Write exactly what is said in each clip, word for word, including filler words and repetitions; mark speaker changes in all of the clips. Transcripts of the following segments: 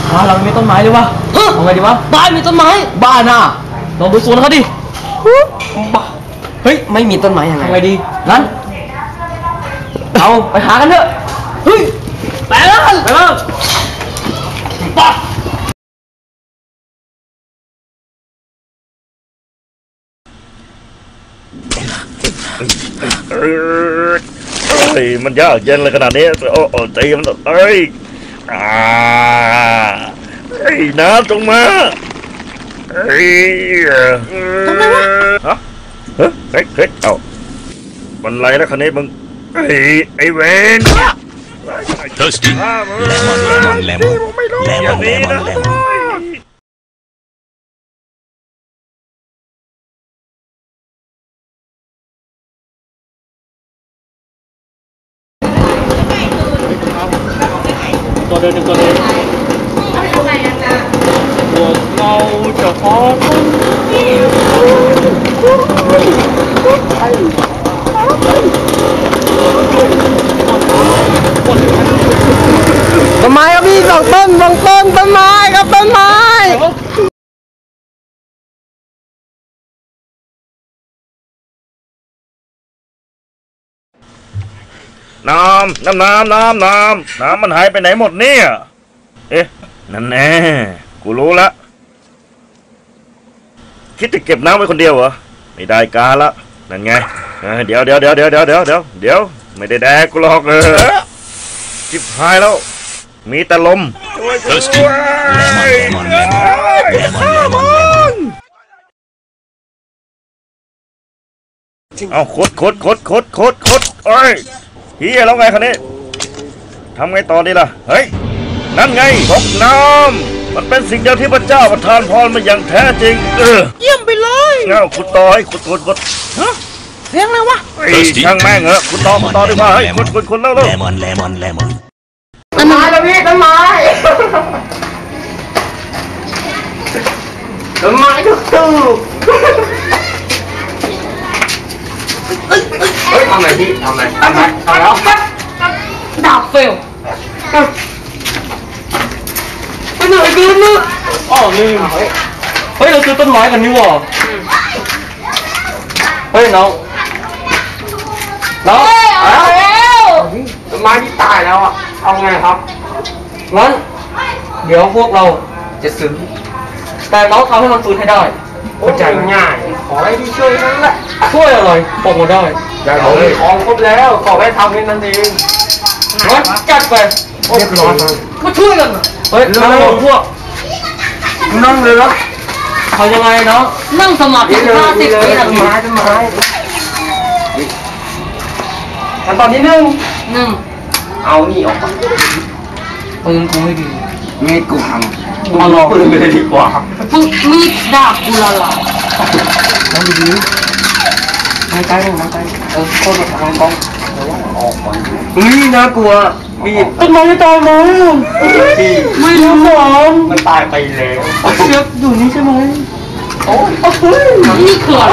Speaker 1: บ้านเราไม่มีต้นไม้เลยวะเอาไงดีวะบ้านมีต้นไม้บ้านน่ะลองไปสวนเขาดิบ้าเฮ้ยไม่มีต้นไม้ยังไงไงดีงั้นเอาไปหากันเถอะเฮ้ยไปแล้วไปแล้วป๊อ
Speaker 2: เฮ้ยมันยากเย็นเลยขนาดนี้โอ้โอ้ตีมันเอ้ยอ่าเฮ้ยน้ำจงมาเฮ้ยทำไมวะฮะเฮ้ยเฮ้ยเฮ้ยเอ้ามันไรแล้วคันนี้มึงไอ้ไอ้เวน
Speaker 3: Thirsty lemon lemon lemon lemon lemon lemon
Speaker 1: ตัวเดินหนึ่งตัวเดินพวกเราจะขอต้นไม้ครับพี่สองต้นสองต้นต้นไม้ครับต้นไม้
Speaker 2: น้ำน้ำน้ำน้ำน้ำน้ำมันหายไปไหนหมดเนี่ยเอ๊ะนั่นแน่กูรู้ละคิดจะเก็บน้ำไว้คนเดียวเหรอไม่ได้การละนั่นไงเดี๋ยวเดี๋ยวเดี๋ยวเดี๋ยวเดี๋ยวเดี๋ยวเดี๋ยวเดี๋ยวไม่ได้แดกกูหรอกเออจิบหายแล้วมีแต่ลม
Speaker 3: Thirsty lemon lemon lemon lemon lemon
Speaker 2: เอาขดขดขดขดขดขดเอ้ยเฮียแล้วไงคันนี้ทำไงต่อดีล่ะเฮ้ยนั่นไงตกน้ำมันเป็นสิ่งเดียวที่พระเจ้าประทานพรมาอย่างแท้จริงเออเยี่ยมไปเลยเงาขุดต่อให้ขุดขุดขุดฮะเสียงอะไรวะช่างแม่งเหรอขุดต่อขุดต่อดีกว่าเฮ้ยขุดขุดขุดแล้วแล้ว
Speaker 3: lemon lemon lemon
Speaker 1: ต้นไม้แล้วพี่ต้นไม้ต้นไม้ทุกตู้เฮ้ยทำไงพี่ทำไงทำไงทำแล้วดาบเฟลไปไหนกันเนี่ยอ๋อนี่เฮ้ยเราซื้อต้นไม้กันนี่หว่าเฮ้ยน้องน้องเอาแล้วต้นไม้ที่ตายแล้วอ่ะเอาไงครับงั้นเดี๋ยวพวกเราจะซื้อแต่น้องทำให้มันฟื้นให้ได้เข้าใจง่ายขอให้พี่ช่วยนั่นแหละช่วยอะไรบอกมาได้ได้เลยของครบแล้วขอให้ทำให้นั่นเองงั้นจัดไปเรียบร้อยมาช่วยกันเฮ้ยนั่งลงพวกนั่งเลยนะเขายังไงเนาะนั่งสมาธิห้าสิบวินาทีไม้ต้นไม้ขั้นตอนที่หนึ่งหนึ่งเอานี่ออกมาปืนกูไม่ดีมีดกูพังเอาลองปืนไปเลยดีกว่ามีดดาบกูละลายนั่งดีๆนั่งใกล้ๆนั่งใกล้เออโคตรแบบทางกล้องออกก่อนนี่น่ากลัวมีดต้นไม้ตายไหมไม่รู้หรอมันตายไปแล้วเชือกอยู่นี่ใช่ไหมโอ้ยนี่คืออะไร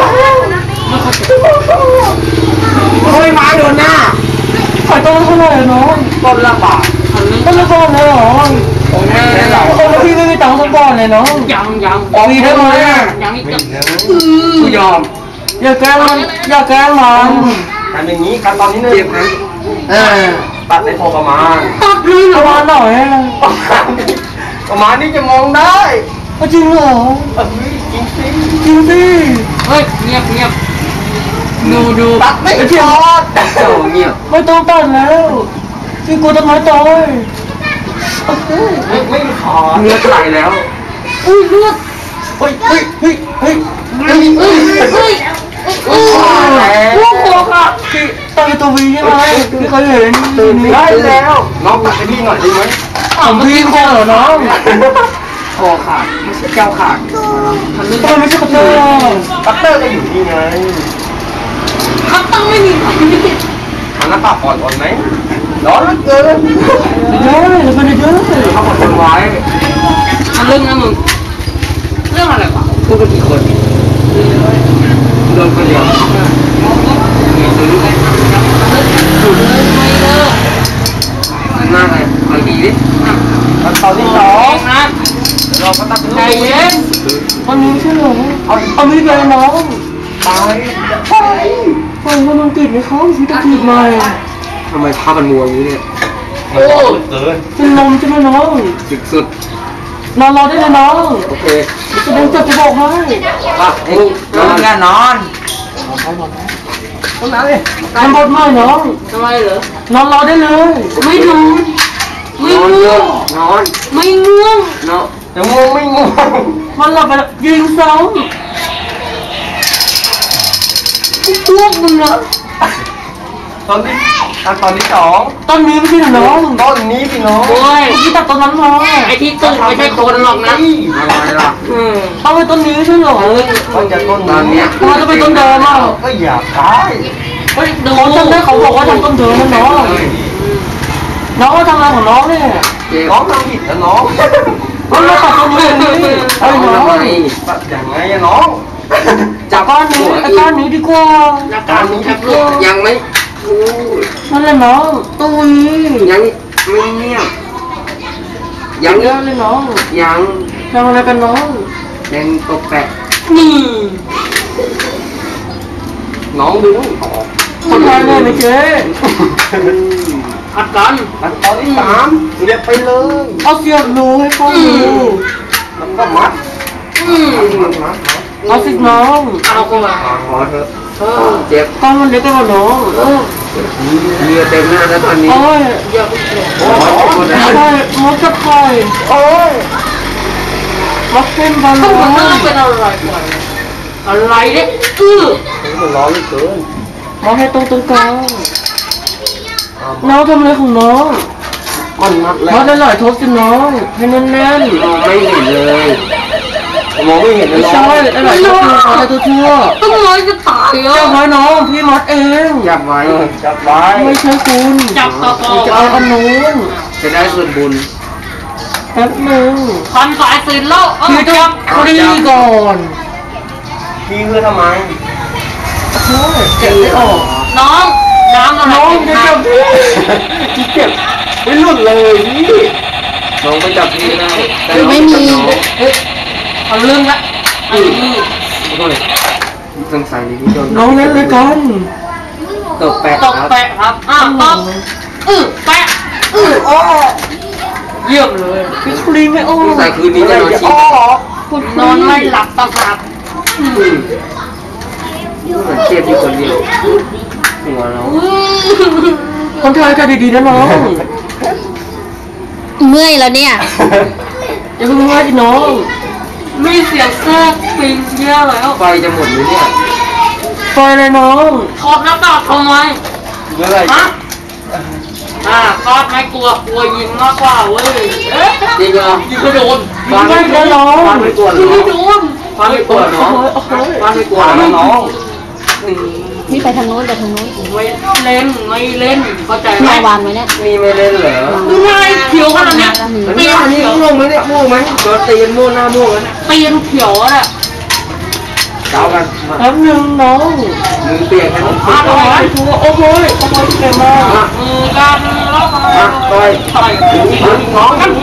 Speaker 1: โอ้ยมาโดนหน้าขายต้นเท่าไหร่เนาะต้นละบาทต้นละบาทเลยเหรอโอ้ยเราต้นละพี่ไม่มีตังค์สักบาทเลยเนาะยังยังมีได้ไหมยังอีกกูยอมอย่าแกล้งมันอย่าแกล้งมันทำอย่างนี้ขั้นตอนนี้เนี่ยเออตัดในพอประมาณตัดเลยประมาณหน่อยประมาณนี้จะมองได้จริงเหรอจริงสิจริงสิเฮ้ยเงียบเงียบดูดูตัดไม่พอตัดเงียบไม่ต้องตัดแล้วพี่กูต้นไม้ตายไม่ไม่ขอเลือดไหลแล้วอุ้ยเลือดเฮ้ยเฮ้ยเฮ้ยเฮ้ยเฮ้ยเฮ้ยเฮ้ยโอ้โหค่ะพี่ตายตัววีใช่ไหมพี่เคยเห็นตื่นได้แล้วน้องตัดให้พี่หน่อยได้ไหมผมพี่คอเหรอน้องคอขาดไม่ใช่แก้วขาดทำไมไม่ใช่คัตเตอร์คัตเตอร์ก็อยู่นี่ไงคัตเตอร์ไม่มีอันนั้นปากอ่อนๆไหมร้อนเหลือเกินเยอะเลยมันเยอะเลยเขาบอกคนไว้มันเรื่องนะมึงเรื่องอะไรวะพูดกันกี่คนเดินคนเดียวมีซื้อหยุดเลยไม่เลิกหน้าไงเอาดีดิขั้นตอนที่สองนะเราก็ต้องใจเย็นวันนี้ใช่เหรอเอาเอามีดไปน้องตายตายไฟมันติดไหมเขาพี่ตะกีบมาทำไมภาพมันมัวอย่างนี้เนี่ยโอ้เกินเป็นลมใช่ไหมน้องสุดสุดนอนรอได้เลยน้องโอเคจะเดินจับจะบอกให้อ่ะเอ็งนอนกันนอนต้องนอนเลยทำบทใหม่น้องทำไมเหรอนอนรอได้เลยไม่นอนไม่ง่วงนอนไม่ง่วงนอนจะง่วงไม่ง่วงมันหลับไปยิงซ้ำง่วงมึงเหรอตอนนี้ตอนนี้สองตอนนี้ไม่ใช่น้องตอนนี้พี่น้องโอ้ยที่ตัดตอนนั้นมาไอ้ที่ตื่นไม่ใช่คนหรอกนะอะไรล่ะอืมต้องไปต้นนี้ใช่หรอเขาจะต้นตอนเนี้ยเขาจะไปต้นเดิมอ่ะก็อยากตายเฮ้ยดูจำได้เขาบอกว่าทำต้นเดิมนะน้องน้องว่าทำอะไรของน้องเนี่ยน้องทำผิดนะน้องน้องมาตัดต้นนี้ไอ้น้องตัดอย่างไงอะน้องจับก้อนนี้ไอ้ก้อนนี้ดีกว่าก้อนนี้ดีกว่ายังไม่นั่นแหละน้องตุ้ยยังไม่เงียบยังเยอะเลยน้องยังทำอะไรกันน้องยังตกแปะนี่น้องดึงทำอะไรเนี่ยไม่เจ๊อัดกันอัดตอนที่สามเสียบไปเลยเอาเสียบรูให้เขาดูแล้วก็มัดมัดเอาสิน้องเอาเข้ามาขอเถอะเจ็บก้อนมันเล็กกว่าน้องเรือเต็มหน้าแล้วตอนนี้โอ้ยอย่าไปเจ็บโอ้ยมดจะคอยโอ้ยมดเป็นบอลลูนเป็นอะไรอะไรเนี่ยอื้อมันร้อนเหลือเกินมาให้ตรงตรงกลางน้องทำอะไรของน้องมันมัดแล้วมัดได้หลายทบสิน้องให้แน่นๆไม่เห็นเลยมองไม่เห็นเลยใช่อะไรตัวอะไรตัวชั่วต้องร้อยจะตายอ่ะจับไว้น้องพี่มัดเองจับไว้จับไว้ไม่ใช่คุณจับต่อต่อจะเอาอันนู้นจะได้ส่วนบุญแป๊บนึงคันสายสินแล้วพี่จับคดีก่อนพี่เพื่อทำไมโอ้ยเจ็บไม่ออกน้องน้องน้องจะจับพี่เจ็บไม่หลุดเลยพี่น้องไปจับพี่นะไม่มีเอาเรื่องละไอ้นี่สงสัยนี่โดนน้องเล่นเลยกันตกแปะตกแปะครับอ้าวตกอือแปะอืออ้อเยี่ยมเลยพี่ครีมไม่อ้อแต่คืนนี้จะนอนชินอนไม่หลับตาขาดเหมือนเจ็บอยู่คนเดียวหัวเราคนไทยกันดีๆนะน้อง
Speaker 4: เมื่อยแล้วเนี่ย
Speaker 1: อย่าเพิ่งว่าจีน้องมีเสียงแทรกปิงเยอะแล้วไฟจะหมดเลยเนี่ยไฟเลยน้องขอบหน้าต่างทำไมเมื่อไรฮะอ่าคอดไม่กลัวกลัวยิงมากกว่าเว้ยจริงเหรอยิงก็โดนยิงไม่โดนน้องฟันไม่กลัวน้องไม่โดนฟันไม่กลัวน้องฟันไม่กลัวน้อง
Speaker 4: นี่ไปทางโน้นไปทางโน้น
Speaker 1: ไม่เล่นไม่เล่นเข้าใจไหม
Speaker 4: วางไว้เนี่ย
Speaker 1: มีไม่เล่นเหรอไม่เขียวขนาดนี้ตีนนี่ม่วงไหมเนี่ยม่วงไหมก็ตีนม่วงหน้าม่วงแล้วตีนเขียวอ่ะเจ้ากันแป๊บนึงน้องมือเปียกให้น้องมาต่อยชัวโอ้โหโอ้โหเก่งมากมือกันแล้วต่อยต่อยน้องกัน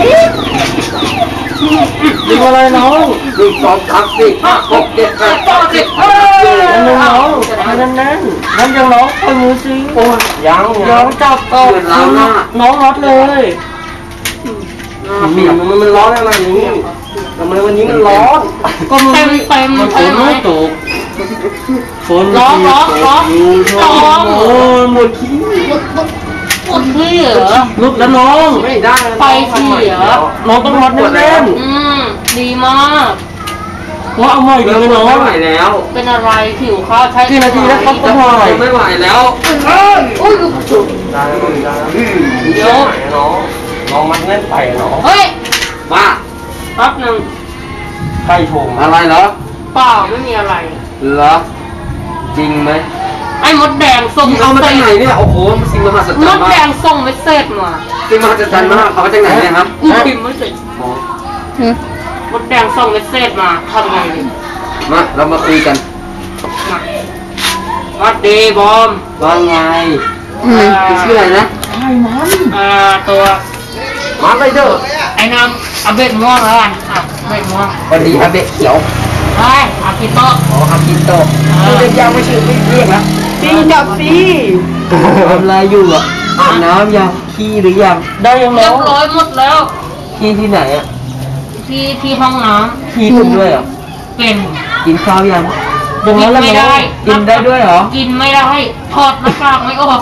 Speaker 1: ดีอะไรน้องหนึ่งสองสามสี่ห้าหกเจ็ดแปดเก้าสิบนั่นน้องนั่นนั่นนั่นยังน้องไปมือซิโอ้ยยังยังจับต่อน้องรัดเลยมันมันร้อนอะไรนี้ทำไมวันนี้มันร้อนก็มันเต็มเต็มมันฝนไม่ตกฝนร้อนร้อนร้อนร้อนโอ้ยหมดขี้หมดขี้เหรอลุกแล้วน้องไม่ได้ไปขี้เหรอน้องต้องมัดแน่นๆอืมดีมากว่าเอาใหม่ดีไหมน้องไม่ไหวแล้วเป็นอะไรผิวข้าวใช้กี่นาทีแล้วครับก็พอไม่ไหวแล้วเอ้ยโอ้ยจุดได้ได้เดี๋ยวน้องน้องมันเล่นไปน้องเฮ้ยว่าแป๊บนึงใครโทรอะไรเหรอเปล่าไม่มีอะไรเหรอจริงไหมไอ้มดแดงส่งเอามาจากไหนเนี่ยโอ้โหสิ่งมหัศจรรย์มากมดแดงส่งเมสเซจมาสิ่งมหัศจรรย์มากเอามาจากไหนเนี่ยครับกูพิมพ์ไม่เสร็จมดแดงส่งเมสเซจมาทำไงดีมาเรามาคุยกันมาวัดดีบอมว่าไงชื่ออะไรนะไอ้มันอ่าตัวมมาไปเถอะ
Speaker 5: ไอ้น้ำเอาเบ็ดม่วงแล้วกันอ่ะเบ็ดม่วง
Speaker 1: วันนี้อาเบะเขียว
Speaker 5: เฮ้ยอากิโตะ
Speaker 1: อ๋ออากิโตะคือเรียกยาวไม่ชื่อไม่เรียกนะซีจับซีทำอะไรอยู่อ่ะอาบน้ำยังขี้หรือยังได้ยัง
Speaker 5: เรี
Speaker 1: แล้
Speaker 5: ยว บร้อยหมดแล้ว
Speaker 1: ขี้ที่ไหนอ่ะ
Speaker 5: ที่ที่ห้องน้
Speaker 1: ขี้คุณด้วยเหรอ
Speaker 5: ำเป็น
Speaker 1: กินข้าวยังยังแล้ว
Speaker 5: ไม่ได้
Speaker 1: กินได้ด้วยเหรอ
Speaker 5: กินไม่ได้ถอดหน้ากากไม่ออก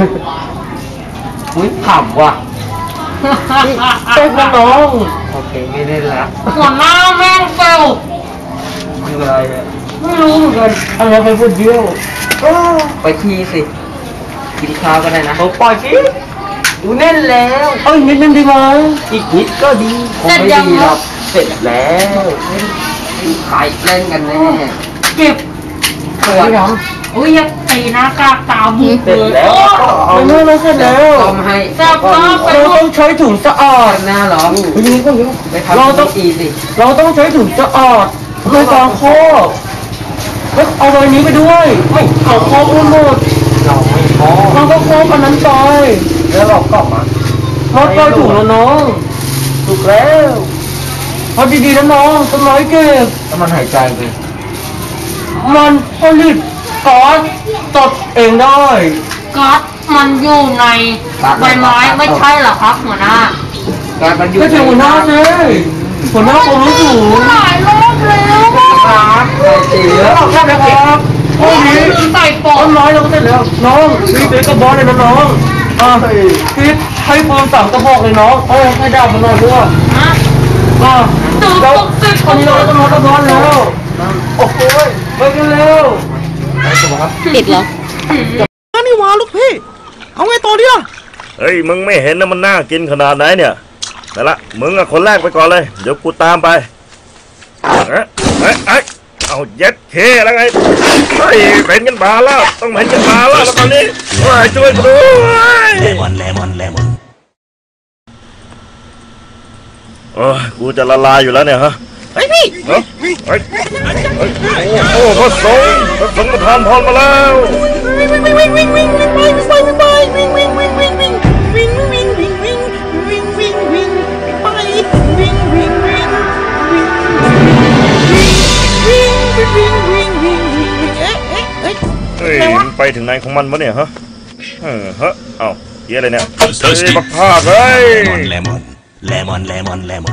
Speaker 1: อุ้ยขำว่ะเป็นน้องโอเคไม่เล่นละ
Speaker 5: หัวหน้าแม่งเฟล
Speaker 1: คืออะไรอ่ะ
Speaker 5: ไม่รู้เหมือนกัน
Speaker 1: อะไรไปพูดเดียวไปขี้สิกินข้าวก็ได้นะปล่อยสิดูแน่นแล้วเอ้ยนิดนึงดีไหมอีกนิดก็ดีคงไม่ดีหรอกเสร็จแล้วใครเล่นกันแน่
Speaker 5: เก็บ
Speaker 1: เปิดยัง
Speaker 5: อุ้ยอย่าตีหน้ากากตาบุก
Speaker 1: เสร็จ
Speaker 5: เลย
Speaker 1: แล้ว
Speaker 5: โอ้
Speaker 1: เอาเนื้อเราเสร็จแล้วทำให้
Speaker 5: แซ่บมากไป
Speaker 1: เรา
Speaker 5: หม
Speaker 1: ต้อ
Speaker 5: ด
Speaker 1: งใช้ถุงสะอาดนะเหรอยังไงก็ยังไปทำเราต้องอีสิเราต้องใช้ถุงสะอาดในการครอบแล้วเอาใบนี้ไปด้วยไม่เอาครอบหมดเราไม่ครอบเราก็ครอบอันนั้นไปแล้วเราก็มาครอบไปถุงแล้วน้องถูกแล้วพอดีๆนะน้องต้นไม้เก็บแล้วมันหายใจไปมันผลิตก๊าซตดเองได้
Speaker 5: ก๊าซมันอยู่ในใบไม้ไม่ใช่เหรอครับหัวหน้า
Speaker 1: ก๊าซมันอยู่ในหัวหน้าสิหัวหน้าคนรู้สูง
Speaker 5: หลายรอบแล้ว
Speaker 1: ครับใส่เสียใช่ไหมครับพวกนี้
Speaker 5: ใส่ปอ
Speaker 1: ต้
Speaker 5: ด
Speaker 1: นไม้เราก็เสร็จแล้วน้องรีบไปกระบอกเลยนะน้องอ่ารีบให้ปืนสามกระบอกเลยน้องเอ้ยให้ดาบมันหน่อยด้วย
Speaker 5: ฮะ
Speaker 1: อ่าแล้วตอนนี้เราต้องรอต้องรอแล้วโอ้โหไปกันเร็ว
Speaker 4: ติดเหรอ
Speaker 2: นี่วาลูกพี่เอาไงต่อดีล่ะเฮ้ยมึงไม่เห็นนะมันน่ากินขนาดไหนเนี่ยแต่ละมึงอะคนแรกไปก่อนเลยเดี๋ยวกูตามไปเอ๊ะเอ๊ะเอ๊ะเอาเย็ดเคแล้วไงเฮ้ยเป็นกันบาแล้วต้องเป็นกันบาแล้วแล้วตอนนี้เฮ้ยช่วยกูด้วย
Speaker 3: Lemon, lemon, lemon.
Speaker 2: โอ้ยกูจะละลายอยู่แล้วเนี่ยฮะเฮ้ยพี่เฮ้ยเฮ้ยโอ้โหพระสงฆ์พระสงฆ์ประทานพรมาแล้วเฮ้ยมันไปถึงไหนของมันวะเนี่ยฮะเออฮะเอ้าเฮียอะไรเนี่ยเฮ้ย
Speaker 3: Thirsty.
Speaker 2: บักพาดเฮ้ย
Speaker 3: Lemon, lemon. Lemon, lemon, lemon.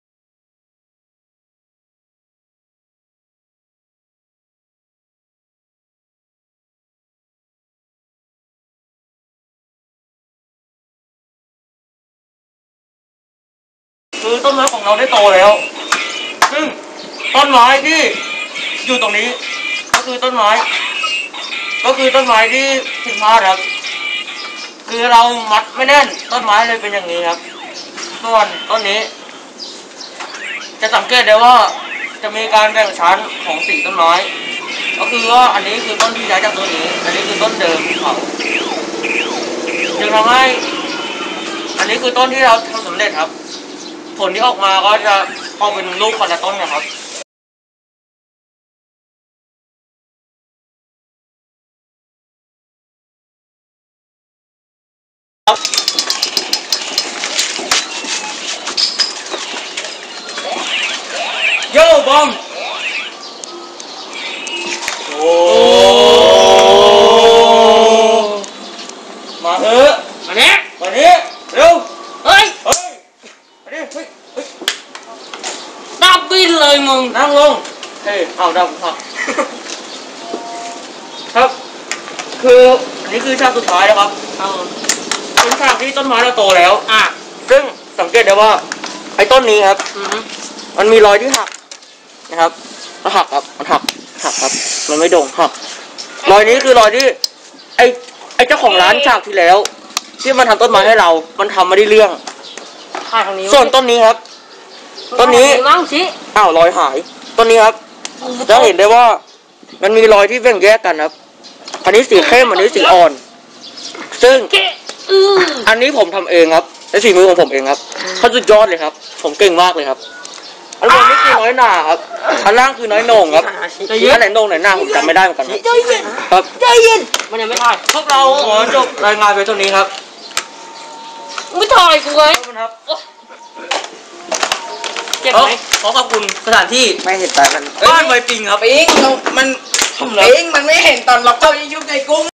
Speaker 1: คือต้นไม้ของเราได้โตแล้ว ซึ่งต้นไม้ที่อยู่ตรงนี้ ก็คือต้นไม้ ก็คือต้นไม้ที่ผิดพลาดครับ คือเรามัดไม่แน่นต้นไม้เลยเป็นอย่างนี้ครับ ส่วนต้นนี้ จะสังเกตได้ว่าจะมีการแบ่งชั้นของสีต้นไม้ ก็คือว่าอันนี้คือต้นที่ย้ายจากต้นนี้ อันนี้คือต้นเดิมของเขาจึงทำให้ อันนี้คือต้นที่เราทำสำเร็จครับ ผลที่ออกมาก็จะออกเป็นลูกคนละต้นนะครับโย่บอมโอ้มาเถอะ
Speaker 5: มาเนี้ย
Speaker 1: มานี้เร็ว
Speaker 5: เฮ้ย
Speaker 1: เฮ้ยมาดิเฮ้ยเฮ้ย
Speaker 5: ดับบินเลยมึง
Speaker 1: นั่งลงเฮ้ยเอาดำครับครับ คืออันนี้คือฉากสุดท้ายนะครับ
Speaker 5: เอา
Speaker 1: เป็นฉากที่ต้นไม้เราโตแล้ว
Speaker 5: อ่ะ
Speaker 1: ซึ่งสังเกตได้ว่าไอ้ต้นนี้ครับ
Speaker 5: อือฮึ
Speaker 1: มันมีรอยที่หักนะครับมันหักครับมันหักหักครับ มันไม่โด่งหักรอยนี้คือรอยที่ ไอ้ไอ้เจ้าของร้านฉากที่แล้ว ที่มันทำต้นไม้ให้เรา มันทำไม่ได้เรื่อง
Speaker 5: ถ่ายทางนี้
Speaker 1: ส่วนต้นนี้ครับ ต้นนี้
Speaker 5: นั่งสิ
Speaker 1: อ้าวรอยหายต้นนี้ครับ จะเห็นได้ว่ามันมีรอยที่แบ่งแยกกันครับ อันนี้สีเข้มอันนี้สีอ่อน ซึ่ง
Speaker 5: เกะอือ
Speaker 1: อันนี้ผมทำเองครับและฝีมือของผมเองครับเขาสุดยอดเลยครับ ผมเก่งมากเลยครับ อันบนนี่คือน้อยหนาครับ อันล่างคือน้อยโหน่งครับอันไหนโหน่งไหนหน้าผมจำไม่ได้เหมือนกันครับ
Speaker 5: ใจเย็น
Speaker 1: ครับ
Speaker 5: ใจเย็นมันยังไม่ถ่าย
Speaker 1: พวกเราขอจบรายงานไปเท่านี้ครับ
Speaker 5: ไม่ถ่ายกูไง
Speaker 1: ขอบคุณครับ
Speaker 5: โอ๊ย
Speaker 1: เจ็บไหมขอขอบคุณสถานที่
Speaker 6: ไม่เห็นตอนมัน
Speaker 1: บ้านไวปิงครับ
Speaker 6: ปิงเรามันปิงมันไม่เห็นตอนล็อกเข้ายิ่งยุบในกุ้ง